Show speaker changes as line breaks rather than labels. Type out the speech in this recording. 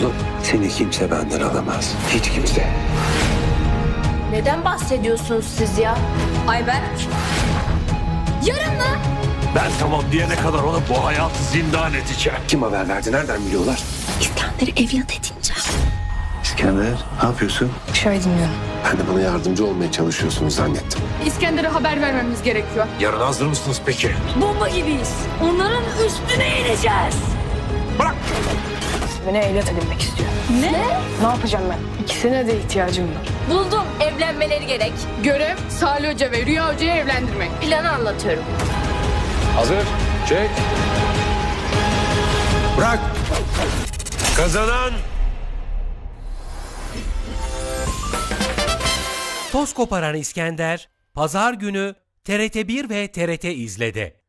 Oğlum seni kimse benden alamaz. Hiç kimse.
Neden bahsediyorsunuz siz ya? Ayberk. Yarın mı?
Ben tamam diyene kadar ona bu hayatı zindan edeceğim.
Kim haber verdi? Nereden biliyorlar?
İskender'i evlat edineceğim.
İskender ne yapıyorsun?
Şöyle dinliyorum.
Ben de bana yardımcı olmaya çalışıyorsunuz zannettim.
İskender'e haber vermemiz gerekiyor.
Yarın hazır mısınız peki?
Bomba gibiyiz. Onların üstüne ineceğiz.
Bırak!
Beni evlat edinmek istiyor.
Ne?
Ne yapacağım ben? İkisine de ihtiyacım var.
Buldum. Evlenmeleri gerek.
Görev Salih Hoca ve Rüya Hoca'yı evlendirmek.
Planı anlatıyorum.
Hazır. Çek. Bırak! Kazanan...
Toz koparan İskender, Pazar günü TRT1 ve TRT İzle'de.